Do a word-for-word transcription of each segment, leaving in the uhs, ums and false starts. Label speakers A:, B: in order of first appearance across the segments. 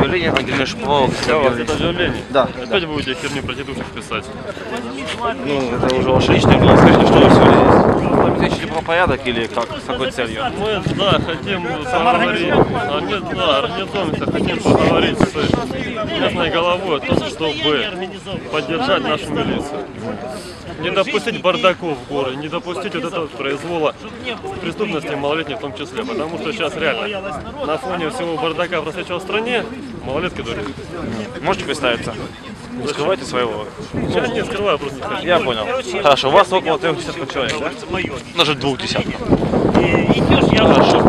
A: заявление Ангелины Шиповаловой.
B: Это заявление?
A: Да.
B: Опять да. Будете херню про тетушек писать?
A: Ну, это уже ваше личное дело. Скажите, что вы сегодня здесь? Обеспечили правопорядок или как? С какой целью?
B: Мы, да, хотим поговорить, а нет, да, организуемся, хотим поговорить с местной головой о том, чтобы поддержать нашу милицию. Не допустить бардаков в городе, не допустить вот этого произвола преступности малолетних в том числе, потому что сейчас реально на фоне всего бардака, происходящего в стране, малолетки дурят.
A: Можете представиться? Не скрывайте своего.
B: Я не скрываю, просто не хочу.
A: Я понял. Хорошо, у вас около трех десятков человек, да? Даже двух десятков. Хорошо.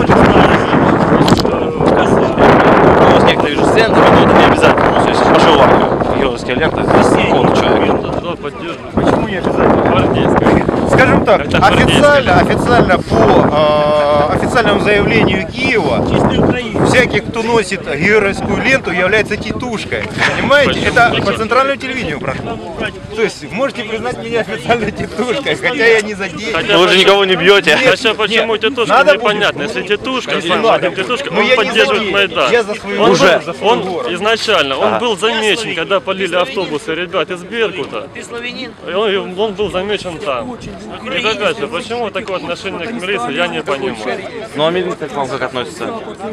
A: У вас некоторые вижу сцены, но это не обязательно. Если пошел в армию, георгиевские ленты, какого-то человека.
B: Да, поддерживаю. Почему не обязательно? Гвардейская.
C: Скажем так, официально, официально по э, официальному заявлению Киева, всякий, кто носит георгиевскую ленту, является титушкой. Понимаете?
B: Почему?
C: Это
B: Почему?
C: по центральному телевидению прошло. То есть можете признать меня официальной титушкой, хотя я не задействован.
B: Хотя
A: Вы же никого не бьете.
B: Хотя почему
C: нет,
B: тетушка,
C: надо
B: непонятно.
C: будет.
B: Если тетушка,
C: Конечно,
B: сам
C: надо
B: Вадим тетушка,
C: Но
B: он
C: я не
B: поддерживает
C: задею.
B: Майдан.
C: Я за свою
B: Он,
C: уже.
B: был-
C: За свой
B: он
C: город.
B: изначально, он
A: Ага.
B: был замечен, когда полили автобусы ребят из Беркута. И он, он был замечен там. И опять же, почему такое отношение к милиции, я не понимаю.
A: Ну а милиция к вам как относится?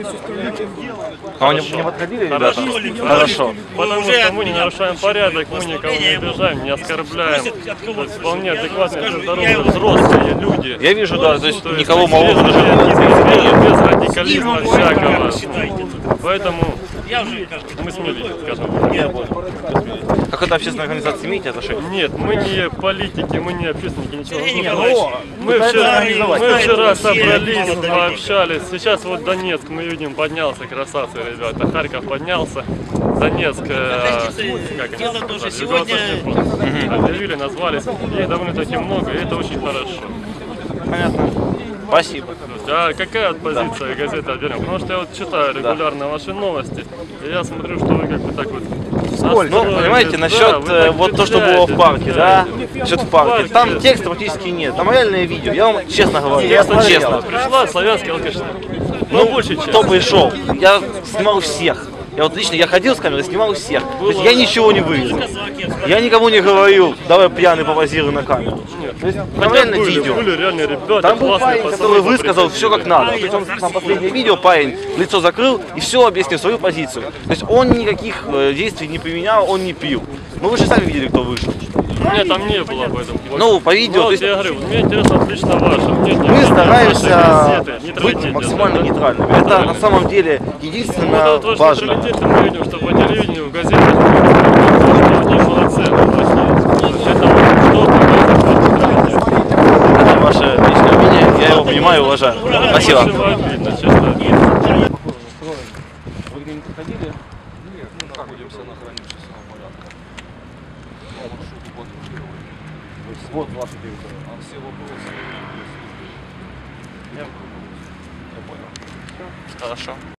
A: А вы не, не подходили, ребята?
B: Хорошо.
A: Хорошо.
B: Потому что мы не нарушаем порядок, мы никого не обижаем, не оскорбляем. То есть вполне адекватные, здоровые, взрослые люди.
A: Я вижу, да, то есть
B: То есть
A: никого
B: без-
A: малого даже
B: без,
A: не
B: без радикализма всякого. Поэтому мы с милицией, скажем так.
A: Я понял. Как это общественная организация, имеете отношение?
B: Нет, мы не политики, мы не общественники, ничего.
C: Не,
B: Ну,
C: ну,
B: мы
C: пытаются
B: вчера,
C: организовать.
B: мы вчера собрались, пообщались. Сейчас вот Донецк, мы видим, поднялся, красавцы, ребята. Харьков поднялся. Донецк, э, как они сказали, Юго-Восточный фронт. Объявили, назвались. Их довольно-таки много, и это очень хорошо.
A: Понятно. Спасибо.
B: А какая вот позиция газеты «Отберем»? Потому что я вот читаю регулярно ваши новости, и я смотрю, что вы как бы так вот...
A: Ну, понимаете,
B: да,
A: насчет
B: вы
A: э,
B: так
A: вот то, что было в парке, да?
B: впечатляете.
A: Насчет в парке.
B: парке.
A: Там текста практически нет. Там реальное видео. Я вам честно говорю.
B: Я смотрел,
A: честно.
B: пришла славянский алкашник.
A: Ну,
B: большей части.
A: кто пришел? Я снимал всех. Я вот лично, я ходил с камерой, снимал всех. То есть я ничего не вырезал. Я никому не говорил, давай пьяный попозируй на камеру. То есть там
B: Хотя
A: реально
B: были,
A: видео.
B: были реальные ребята,
A: Там был
B: классные
A: парень,
B: пацаны,
A: который высказал
B: попри-
A: все как надо. То есть он на последнее видео, парень лицо закрыл и все объяснил свою позицию. То есть он никаких э, действий не применял, он не пил. Ну вы же сами видели, кто вышел.
B: Нет, там не было об этом.
A: Ну, по видео,
B: Вот,
A: то есть
B: я говорю, мне интересно отлично ваше мнение.
A: мы
B: Ваши
A: стараемся
B: газеты,
A: быть
B: нейтралитет
A: максимально
B: держать, да?
A: нейтральными. Это на самом деле
B: Вот
A: единственно
B: этот ваш
A: важно.
B: нейтралитет, мы видим, что по телевидению, в газетах, они молодцы, они плохие. То есть это вот что показывает ваш нейтралитет.
A: Это ваше личное мнение, я его понимаю и уважаю. Спасибо.
B: Очень обидно, честно обидно.
A: Вы где-нибудь ходили? Нет, мы находимся на охране общественного порядка. По маршруту патрулирования. Вот ваша территория. А все вопросы есть. Я понял. Хорошо.